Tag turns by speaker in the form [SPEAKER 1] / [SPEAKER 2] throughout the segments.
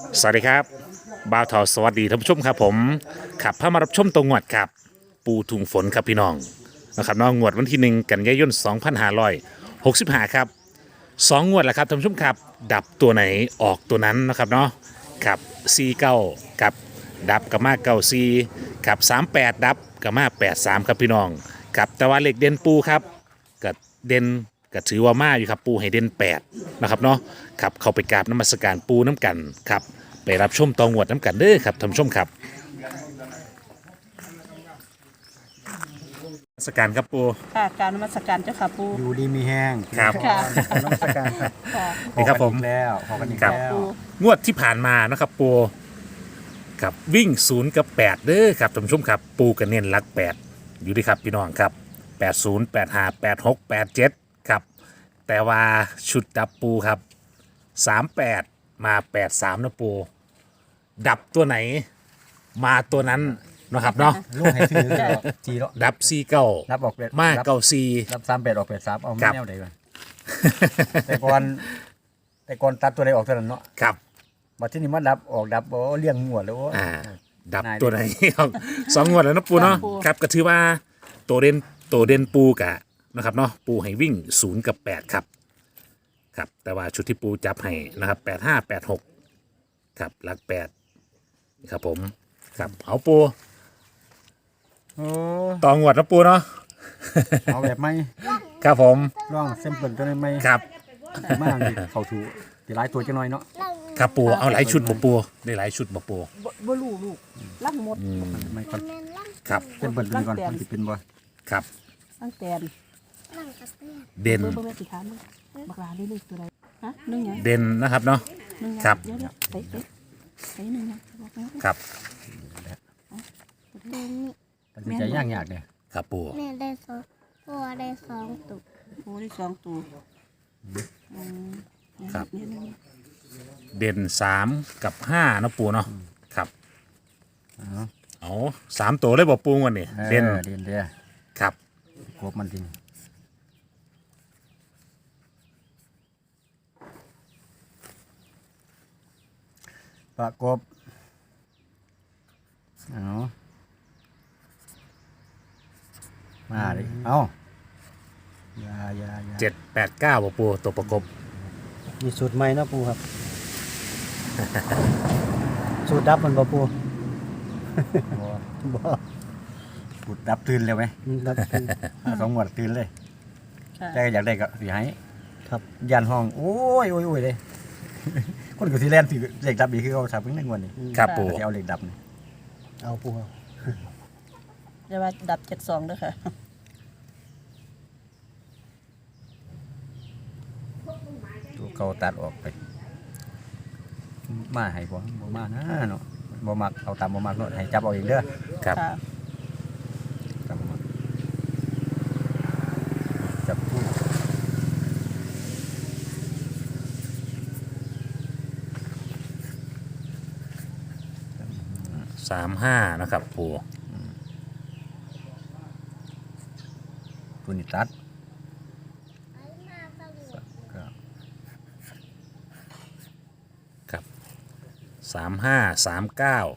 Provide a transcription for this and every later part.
[SPEAKER 1] สวัสดีครับบ่าวทอสวัสดีท่านผู้ชมครับผมขับพามารับชมตัวงวดครับปูถุงฝนครับพี่น้องนะครับน้องงวดวันที่1 กันยายน2565ครับงวดแล้วครับท่านผู้ชมครับดับตัวไหนออกตัวนั้นนะครับเนาะครับ49กับดับกับมา94กับ38ดับกับมา83ครับพี่น้องครับแต่ว่าเลขเด่นปูครับกับเด่นก็ถือว่ามาอยู่ครับปูให้เด่น8นะครับเนาะครับเข้าไปกราบนมัสการปูน้ำกันครับไปรับชมตองวดน้ำกันเด้อครับท่านผู้ชมครับนมัสการครับปู
[SPEAKER 2] ค่ะการนมัสการเจ้าค่ะปู
[SPEAKER 3] อยู่ดีมีแห้ง
[SPEAKER 1] ครับ
[SPEAKER 2] ค่ะ
[SPEAKER 3] น้องสการครับ
[SPEAKER 2] ค่ะ
[SPEAKER 1] นี่ครับผม
[SPEAKER 3] ขอกันอีก
[SPEAKER 1] ครับ
[SPEAKER 3] แล้ว
[SPEAKER 2] ปู
[SPEAKER 1] งวดที่ผ่านมานะครับปูครับวิ่ง0กับ8เด้อครับท่านผู้ชมครับปูกันเน้นหลัก8อยู่ดีครับพี่น้องครับ80 85 86 87ครับแต่ว่าชุดดับปูครับ38มา83นะปูดับตัวไหนมาตัวนั้นนะครับเนาะ
[SPEAKER 3] ลูกให้ซื้อจีแล้ว
[SPEAKER 1] ดับ49
[SPEAKER 3] รับออกเป็ด
[SPEAKER 1] มา
[SPEAKER 3] รับ
[SPEAKER 1] 94
[SPEAKER 3] รับ38ออก83เอา
[SPEAKER 1] ครั
[SPEAKER 3] ไม่
[SPEAKER 1] บ
[SPEAKER 3] แนวใดก่อนแต่ก่อนตัดตัวใดออกเท่านั้นเนาะ
[SPEAKER 1] ครับ
[SPEAKER 3] บัดที่นี่มาดับออกดับโอ้เลี้ยงงวดแล้วโอ้
[SPEAKER 1] ดับ
[SPEAKER 3] นาย
[SPEAKER 1] ตัวไหน ครับ2 งวดแล้วนะปูเนาะครับก็ถือว่าตัวเด่นปูกะนะครับเนาะปูให้วิ่ง0กับ8ครับครับแต่ว่าชุดที่ปูจับให้นะครับ85 86ครับหลัก8ครับผมครับเอาปู
[SPEAKER 3] โอ้
[SPEAKER 1] ตองวดนะปูเนาะ
[SPEAKER 3] เอาแบบไม่
[SPEAKER 1] ครับผม
[SPEAKER 3] ร่องเส้นเปิลตัวนี้ไม่
[SPEAKER 1] ครับ
[SPEAKER 3] มากนี่เข้าถูสิหลายตัวจังหน่อยเนาะ
[SPEAKER 1] ครับปูเอาหลายชุดบ่ปูได้หลายชุดบ่ปู
[SPEAKER 2] บ่รู้ลูกลังหมด
[SPEAKER 3] ไม่ก่อน
[SPEAKER 1] ครับ
[SPEAKER 3] เส้นเปิลตัวนี้ก่อนมันสิเป็นบ่
[SPEAKER 1] ครับ
[SPEAKER 2] ตั้งแต่
[SPEAKER 1] เด่น
[SPEAKER 2] เบอร์แม่สิถามมึงบักหลาได้เลขตัวใดฮะนึ่งหยัง
[SPEAKER 1] เด่นนะครับเนาะ
[SPEAKER 2] นึ่งหยัง
[SPEAKER 1] ครับ
[SPEAKER 2] เดี๋ยวใส่นึ่งหยังบอกนะครับ
[SPEAKER 3] มันสิใจยากเนี่ย
[SPEAKER 1] ครับปู
[SPEAKER 4] แม่ได้สองพ่อได้สองตุก
[SPEAKER 2] โอ้ได้สองตัวอืม
[SPEAKER 1] ครับ
[SPEAKER 2] เนี่ยเนี่ย
[SPEAKER 1] เด่น3กับ5นะปูเนาะครับ
[SPEAKER 3] เอา
[SPEAKER 1] เอา3ตัวเลยบ่ปูวันนี้เด่น
[SPEAKER 3] เด่นเด้อ
[SPEAKER 1] ครับ
[SPEAKER 3] กบมันจริงประกบเอามาดิเอาอย่า
[SPEAKER 1] 7 8 9บ่ปูตัวประกบ
[SPEAKER 5] มีสูตรใหม่เนาะปูครับ สูตรดับมันบ่ปู
[SPEAKER 3] บ่
[SPEAKER 5] บ่
[SPEAKER 3] ปุดดับตื่นเลยไหม
[SPEAKER 5] ดับเป็น
[SPEAKER 3] สองหมวดตื่นเลย
[SPEAKER 2] ค่ะ
[SPEAKER 3] แต่อยากได้ก็สิให้
[SPEAKER 5] ครับ
[SPEAKER 3] ยันห้องโอ้ยเลย คนก็สิแล่นสิเหล็กดับอีกคือเขาทำเพิ่งในงวดนี้
[SPEAKER 1] ครับปู
[SPEAKER 3] สิเอาเหล็กดับนี่
[SPEAKER 5] เอาปูเอา
[SPEAKER 2] จะว่าดับ72เด้อค่ะ
[SPEAKER 3] ตัวเก่าตัดออกไป มาให้บ่มานะเนาะบ่มักเอาตามบ่มักเนาะให้จับเอาเองเด้อ
[SPEAKER 1] ครับ
[SPEAKER 2] ค่ะ
[SPEAKER 3] จับบ่มักจับคู่
[SPEAKER 1] 35นะครับปู
[SPEAKER 3] ตัวนี้ตัดก็
[SPEAKER 1] ครับ35 39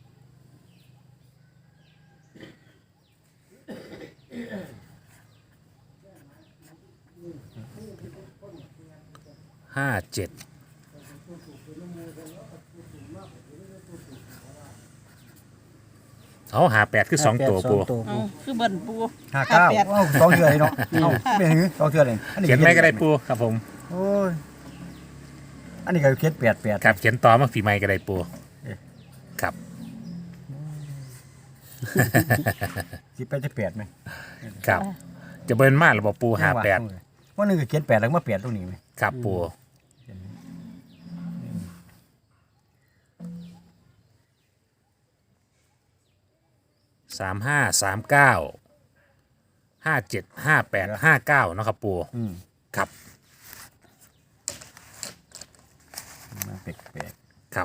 [SPEAKER 1] 57เอา58คือ2ตัวปู
[SPEAKER 5] สองตัว
[SPEAKER 2] อืมคือเบิ่นปู
[SPEAKER 3] 59
[SPEAKER 2] 58
[SPEAKER 3] เอ้าสองเทื่อเลยเนาะเอ้าเป็นหือสองเทื่อเลยอันนี้
[SPEAKER 1] เขียนไม่ก็ได้ปูครับผม
[SPEAKER 3] โอ้ยอันนี้ก็เขียน88
[SPEAKER 1] ครับเขียนต่อมาฝีไม้ก็ได้ปู
[SPEAKER 3] เอ๊ะ
[SPEAKER 1] ครับ
[SPEAKER 3] สิไปจะ8มั้ย
[SPEAKER 1] ครับจะเบิ้นมากหรือเปล่าปู58
[SPEAKER 3] ว่านึงก็เขียน8แล้วมา8ตรงนี้มั้ย
[SPEAKER 1] ครับปู35 39 57 58 59เนาะครับปู
[SPEAKER 3] อืม
[SPEAKER 1] ครับ
[SPEAKER 3] มาแปลก
[SPEAKER 1] ครับ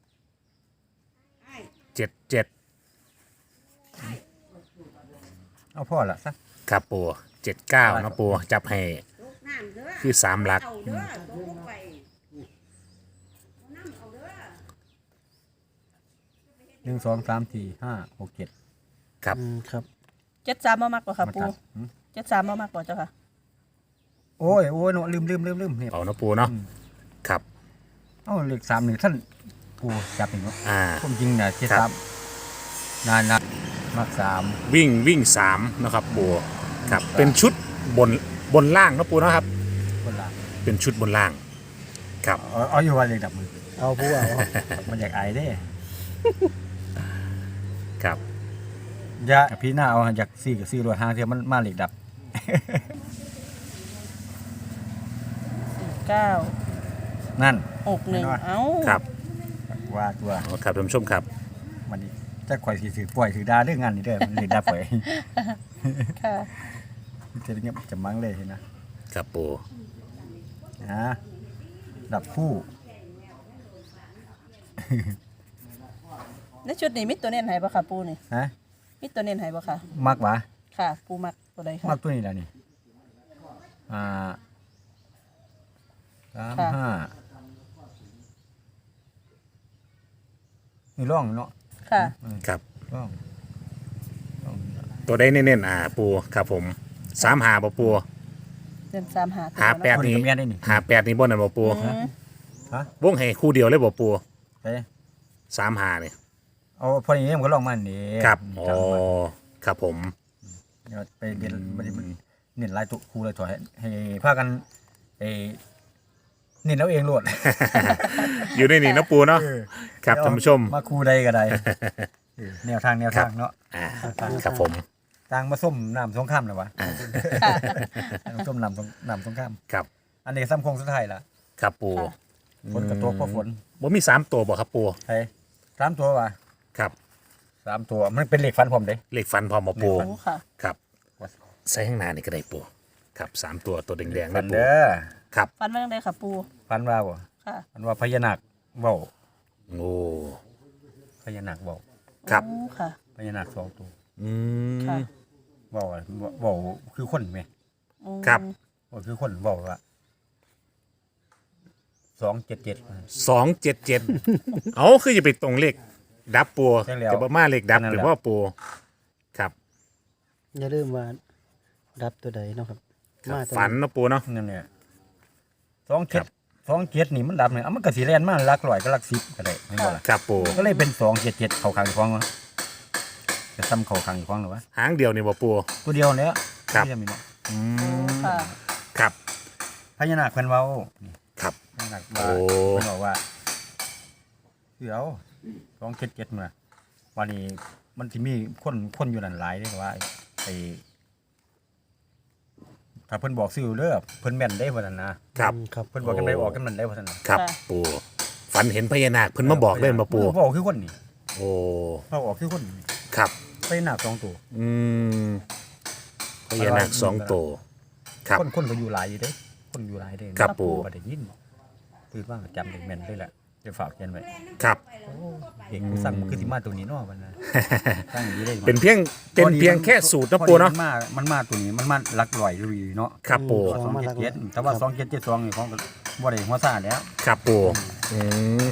[SPEAKER 1] 77
[SPEAKER 3] เอาพ่อละซะ
[SPEAKER 1] ครับปู79นะปูจับให้คือ3หลัก
[SPEAKER 3] 1 2 3 4 5 6 7
[SPEAKER 1] ครับ
[SPEAKER 5] ครับ
[SPEAKER 2] 73บ่มักบ่ค่ะ
[SPEAKER 3] มา
[SPEAKER 2] ปู
[SPEAKER 3] ตัด
[SPEAKER 2] 73บ่มักบ่เจ้าค่ะ
[SPEAKER 3] โอ้ยเนาะลืมนี่
[SPEAKER 1] เอานะปูเนาะครับ
[SPEAKER 3] เอ้าเลข3นี่ท่านปูจับนี่เนาะ ผมจริงน่ะเจ็ด
[SPEAKER 1] ครั
[SPEAKER 3] สา
[SPEAKER 1] บ
[SPEAKER 3] มนานมาก3
[SPEAKER 1] วิ่ง3นะครับปูครับเป็นชุดบนล่างนะปูเนาะครับ
[SPEAKER 3] คนละ
[SPEAKER 1] เป็นชุดบนล่างครับ
[SPEAKER 3] เอาอยู่ว่าเลขดับมือ
[SPEAKER 5] เอาปูเอา
[SPEAKER 3] มันอยากอายเด้
[SPEAKER 1] ครับ
[SPEAKER 3] อย่าพี่หน้าเอาอยากซื้อก็ซื้อรวยห้างเทียมันมาเลขดับ
[SPEAKER 2] 9
[SPEAKER 3] นั่น
[SPEAKER 2] 61เอ้า
[SPEAKER 1] ครับ
[SPEAKER 3] ว่าตัว
[SPEAKER 1] เอาครับท่านผู้ชมครับ
[SPEAKER 3] มันนี่จะข่อยสิถือป่วยถือดาเรื่องงานนี่เด้อมันเลขดับไป
[SPEAKER 2] ค่ะ
[SPEAKER 3] มันจะเงียบจะมั้งเลยนะครับ
[SPEAKER 1] ปู
[SPEAKER 3] นะดับคู่
[SPEAKER 2] ในชุดนี้มีตัวเน้นให้บ่ค่ะปูนี่
[SPEAKER 3] ฮะ
[SPEAKER 2] มีตัวเน้นให้บ่ค่ะ
[SPEAKER 3] มักหวะ
[SPEAKER 2] ค่ะ ปูมักตัวใดค่ะ
[SPEAKER 3] มักตัวนี้แหละนี่อ่า35นี่ร่องเนาะ
[SPEAKER 2] ค่ะ
[SPEAKER 1] ครับ
[SPEAKER 3] ร่อง
[SPEAKER 1] ตัวได้เน้นๆปูครับผม3หาบ่ปู
[SPEAKER 2] เดือน3หาตัว
[SPEAKER 1] หา
[SPEAKER 2] เนาะ
[SPEAKER 1] 8นี้
[SPEAKER 3] ตัวนี้ก็แม่นได้นี่
[SPEAKER 1] หา8นี้บ่นั่นบ่ปู
[SPEAKER 2] อืม
[SPEAKER 3] ฮะ
[SPEAKER 1] วงให้คู่เดียวเลยบ่ปู
[SPEAKER 3] เอ๊ะ
[SPEAKER 1] 3หานี่
[SPEAKER 3] เอาพออย่างนี้มันก็ลองมานี่
[SPEAKER 1] ครับอ๋อครับผม
[SPEAKER 3] เดี๋ยวไปเรียนมันเน้นหลายตัวครูเลยถอยให้พากันไอ้เน้นเอาเองโลด
[SPEAKER 1] อยู่ในนี่เนาะปูเนาะครับท่านผู้ชม
[SPEAKER 3] มาครูใดก็ได้แนวทางเนาะ
[SPEAKER 1] ครับผม
[SPEAKER 3] ต่างมาส้มน้ำสงครามนะวะส้มน้ำสงคราม
[SPEAKER 1] ครับ
[SPEAKER 3] อันนี้ซ้ำโคงสุดท้ายละ
[SPEAKER 1] ครับปู
[SPEAKER 3] ฝนกระตกเพราะฝน
[SPEAKER 1] บ่มี3ตัวบ่ครับปู
[SPEAKER 3] ไอ้3 ตัววะ
[SPEAKER 1] ครับ
[SPEAKER 3] 3 ตัวมันเป็นเหล็กฟันผมเด้
[SPEAKER 1] เลขฟันพร้อมบ่ปู
[SPEAKER 2] โอ้ค่ะ
[SPEAKER 1] ครับใส่ข้างหน้านี่ก็ได้ปูครับ3ตัวตัวแดงๆ
[SPEAKER 3] ฟั
[SPEAKER 1] นะ
[SPEAKER 3] น
[SPEAKER 1] ปู
[SPEAKER 3] เด้อ
[SPEAKER 1] ครับ
[SPEAKER 2] ฟันว่าจังไดค่ะปู
[SPEAKER 3] ฟันว่าบ่
[SPEAKER 2] ค่ะ
[SPEAKER 3] ฟันว่าพญานาคเว้า
[SPEAKER 1] โอ้
[SPEAKER 3] พญานาคเว้า
[SPEAKER 1] ครับ
[SPEAKER 2] โอ้ค่ะ
[SPEAKER 3] พญานาค2 ตัว
[SPEAKER 1] อืม
[SPEAKER 2] ค่ะ
[SPEAKER 3] เว้าอะเว้าคือคนไหม
[SPEAKER 2] อืม
[SPEAKER 1] ครับ
[SPEAKER 3] ว่าคือคนบอกว่า277
[SPEAKER 1] 277เอาคือจะไปตรงเลขดับปู
[SPEAKER 3] ใช่แล้ว
[SPEAKER 1] จะบ่มาเลขดับ
[SPEAKER 3] นั่น
[SPEAKER 1] ห
[SPEAKER 3] แหละ
[SPEAKER 1] รือว่าปูครับ
[SPEAKER 5] อย่าลืมว่าดับตัวใดเนาะครับ มาตัว
[SPEAKER 1] ฝันเนาะปูเนาะ
[SPEAKER 3] นั่นเนี่ย
[SPEAKER 1] ครับ
[SPEAKER 3] 27นี่มันดับเนี่ยเอามันก็สิแล่นมาหลักร้อยก็หลัก10ก็ได้เห็นบ่ล่ะ
[SPEAKER 1] ครับปู
[SPEAKER 3] ก็เลยเป็น277เข้าข้างอีกของวะจะซ้ำเข้าข้างอีกของหรอวะ
[SPEAKER 1] หางเดียวนี่บ่ปู
[SPEAKER 3] ตัวเดียวแล้ว
[SPEAKER 1] ครับ
[SPEAKER 3] ที่จะมีเนาะ
[SPEAKER 1] อื
[SPEAKER 2] โอ้
[SPEAKER 1] ม
[SPEAKER 2] ค่ะ
[SPEAKER 1] ครับ
[SPEAKER 3] พญานาคเพิ่นเว้านี่
[SPEAKER 1] ครับ
[SPEAKER 3] พญานาคว่า
[SPEAKER 1] โอ้
[SPEAKER 3] เพิ่นบอกว่าคือเอา277มาวันนี้มันสิมีคนอยู่นั่นหลายเด้ว่าไอ้ถ้าเพิ่นบอกซื้อเด้อเพิ่นแม่นได้ว่านั่นนะครับ
[SPEAKER 5] ครับ
[SPEAKER 3] เพิ่นบอกกันได้ออกกันมันได้ว่าซั่นน่ะ
[SPEAKER 1] ครับปูฝันเห็นพญานาคเพิ่นมาบอกเล่นมาปู
[SPEAKER 3] บอกคือคนนี่
[SPEAKER 1] โอ้
[SPEAKER 3] เขาออกคือคนนี่
[SPEAKER 1] ครับ
[SPEAKER 3] พญานาค2ตัว
[SPEAKER 1] อืมพญานาค2ตัวครับ
[SPEAKER 3] คนก็อยู่หลายอยู่เด้คนอยู่หลายเด้
[SPEAKER 1] ครับปู่
[SPEAKER 3] บ่ได้ยินตื่นมาก็จำได้แม่นเลยแหละจะฝากเขียนไว้
[SPEAKER 1] ครับ
[SPEAKER 3] เด็กผู้สั่งมันคือสิมาตัวนี้เนาะมันนะสั่งอย่างนี้ได้
[SPEAKER 1] เป็นเพียงแค่สูตรนะปูเนาะ
[SPEAKER 3] มันมาตัวนี้มันมาหลักร้อยลุยเนาะ
[SPEAKER 1] ครับปู
[SPEAKER 3] 277แต่ว่า2772นี่ของก็บ่ได้หัวซ่าแล้ว
[SPEAKER 1] ครับปูอืม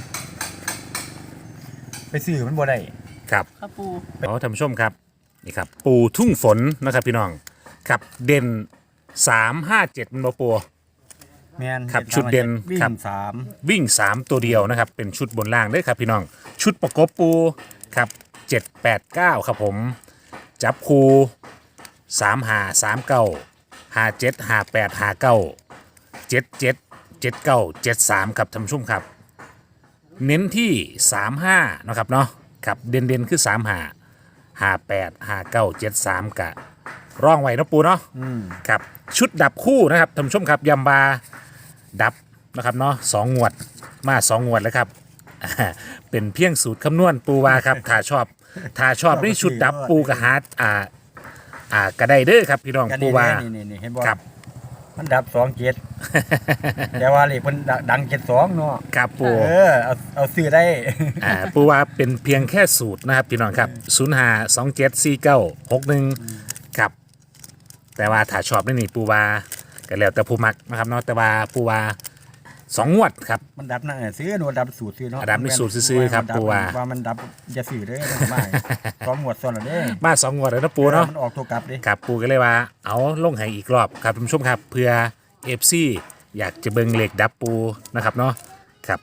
[SPEAKER 3] ไปซื้อมันบ่ได้
[SPEAKER 1] ครับ
[SPEAKER 2] ค่ะปู
[SPEAKER 1] เอาท่านผู้ชมครับนี่ครับปูทุ่งฝนนะครับพี่น้องครับเด่น357มันบ่ปู
[SPEAKER 3] แม่น
[SPEAKER 1] ครับชุดเด่น
[SPEAKER 3] วิ่
[SPEAKER 1] ครับ
[SPEAKER 3] ง3
[SPEAKER 1] วิ่ง 3 ตัวเดียวนะครับ เป็นชุดบนล่างเลยครับพี่น้อง ชุดประกบปูครับ7 8 9 ครับผม จับคู3 5 3 9 5 7 5 8 5 9 7 7 7 9 7 3ครับท่านผู้ชมครับ เน้นที่ 3 5นะครับเนาะครับเด่นๆคือ 3 5 5 8 5 9 7 3กะร่องไว้เนาะปูเนาะ ครับชุดดับคู่นะครับท่านผู้ชมครับยำบาดับนะครับเนาะ2 งวดมา2 งวดแล้วครับ เป็นเพียงสูตรคำนวณปูวาครับ ถ้าชอบนี่ชุดดับปูกระหากระไดเด้อครับพี่น้อง
[SPEAKER 3] กัน
[SPEAKER 1] ปู
[SPEAKER 3] นี่
[SPEAKER 1] วา
[SPEAKER 3] นี่เห็นบ่
[SPEAKER 1] ครับ
[SPEAKER 3] มันดับ27แต่ว่าเลขเพิ่นดัง72เนาะ
[SPEAKER 1] ครับปู
[SPEAKER 3] เอาซื้อได้
[SPEAKER 1] ปูวาเป็นเพียงแค่สูตรนะครับพี่น้องครับ0 5 2 7 4 9 6 1 ครับ แต่ว่าถ้าชอบนี่ปูว่าก็แล้วแต่ผู้มักนะครับเนาะแต่ว่าปูว่า2 งวดครับ
[SPEAKER 3] มันดับนั่นซื้อโนดับสูตรซื้อเนาะ
[SPEAKER 1] ดับนี่สูตรซื้อๆครับปู่ว่า
[SPEAKER 3] ว่ามันดับอย่าซื้อเด้อมันไม่สองหมวดซ้อนแล้วเด้
[SPEAKER 1] มา2 งวดแล้วนะปูเนาะ
[SPEAKER 3] มันออกตัวกลับเด้
[SPEAKER 1] ครับปูก็เลยว่าเอาลงให้อีกรอบครับท่านผู้ชมครับเพื่อ FC อยากจะเบิ่งเลขดับปูนะครับเนาะครับ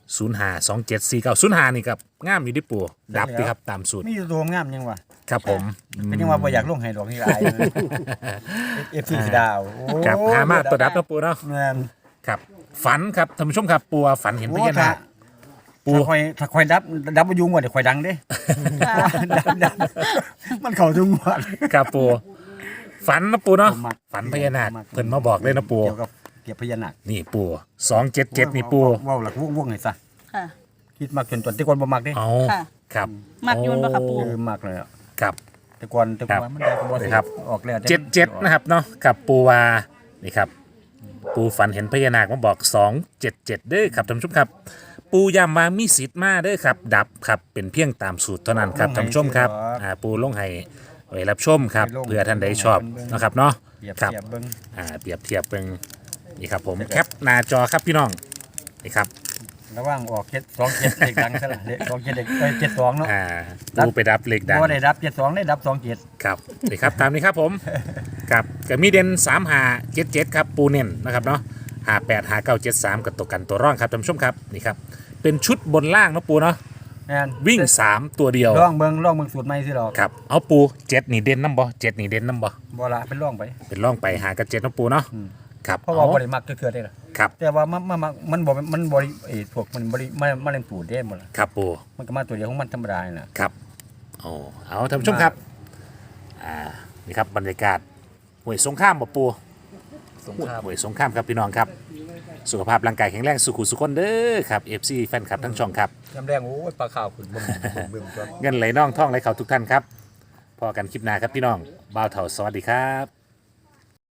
[SPEAKER 1] 05274905นี่ครับงามอยู่ที่ปูดับดีครับตามสูตร
[SPEAKER 3] มีอยู่ตัวงามยังวะ
[SPEAKER 1] ครับผม
[SPEAKER 3] เป็นยังว่าบ่อยากลงให้ดอกนี่อายเอฟซีดาวโอ้
[SPEAKER 1] ครับหามาตัวดับนะปูเนาะ
[SPEAKER 3] แม่น
[SPEAKER 1] ครับฝันครับท่านผู้ชมครับปูว่าฝันเห็นพญานาค ปู
[SPEAKER 3] ถ้าคอยดับบ่อยู่งวดเดี๋ยวคอยดังเด้ ดับมันเข้าทุกงวด
[SPEAKER 1] ครับปูฝันนะปูเนาะ
[SPEAKER 3] ผมมัก
[SPEAKER 1] ฝันพญานาคเพิ่นมาบอกเลยนะปู
[SPEAKER 3] เกี่ยวกับเกี่ยวพญานาค
[SPEAKER 1] นี่ปู277นี่ปู
[SPEAKER 3] เว้าหลักวงๆให้ซะ
[SPEAKER 2] ค่ะ
[SPEAKER 3] คิดมักจนตอนที่ก่อนบ่มักเด้
[SPEAKER 1] เอา
[SPEAKER 2] ค่ะ
[SPEAKER 1] ครับ
[SPEAKER 2] มักโยนบ่ครับปู
[SPEAKER 3] มักเลยอะ
[SPEAKER 1] ครับ
[SPEAKER 3] แต่ก่อนมันได้ก็บ่
[SPEAKER 1] ครับ
[SPEAKER 3] ออกแล้ว
[SPEAKER 1] 77นะครับเนาะกับปูวานี่ครับปูฝันเห็นพญานาคมาบอก277เด้อครับท่านผู้ชมครับ ปูย้ำว่ามีสิทธิ์มาเด้อครับดับครับเป็นเพียงตามสูตรเท่านั้นครับท่านผู้ชมครับปูลงให้ไว้รับชมครับเพื่อท่านใดชอบนะครับเนาะ
[SPEAKER 3] เปรียบ
[SPEAKER 1] ครับ
[SPEAKER 3] เทียบเบิ่ง
[SPEAKER 1] เปรียบเทียบเป็นนี่ครับผมแคปหน้าจอครับพี่น้องนี่ครับ
[SPEAKER 3] ระหว่างออก2 7เลขดังซะล่ะเลข2 7เลข72เนาะ
[SPEAKER 1] ปูไปดับเลขดัง
[SPEAKER 3] บ่ได้ดับ72ได้ดับ2 7
[SPEAKER 1] ครับนี่ครับตามนี้ครับผมกับกับมีเด่น3577ครับปูเน่นนะครับเนาะ585973กับตัวกันตัวร่องครับท่านผู้ชมครับนี่ครับเป็นชุดบนล่างเนาะปูเนาะ
[SPEAKER 3] แม่น
[SPEAKER 1] วิ่ง 3 ตัวเดียว
[SPEAKER 3] ลองเบิ่งสูตรใหม่สิดอก
[SPEAKER 1] ครับเอาปู7นี่เด่นน้ำบ่7นี่เด่นน้ำบ่
[SPEAKER 3] บ่ละเป็นลองไป
[SPEAKER 1] เป็นร่องไปหากับ7เนาะปูเนาะครับ
[SPEAKER 3] เพราะว่าบ่ได้มักเทื่อๆได้ล่ะ
[SPEAKER 1] ครับ
[SPEAKER 3] แต่ว่ามันบ่ได้พวกมันบ่ได้มาเล่นปูดได้บ่ล่ะ
[SPEAKER 1] ครับปู
[SPEAKER 3] มันก็มาตัวเดียวของมันธรรมดานี่น่ะ
[SPEAKER 1] ครับเอาท่านผู้ชมครับนี่ครับบรรยากาศห้วยสงข้ามบ่ปู
[SPEAKER 3] สงคราม
[SPEAKER 1] ห้วยสงข้ามครับพี่น้องครับสุขภาพร่างกายแข็งแรงสุขุสุขคนเด้อครับ FC แฟนคลับทั้งช่องครับ
[SPEAKER 3] ยามแรงโอ้ยปลาขาวขึ้นบึ้มตัว
[SPEAKER 1] เงินไหลน่องท่องไหลเขาทุกท่านครับพอกันคลิปหน้าครับพี่น้องบ่าวเถ่าสวัสดีครับ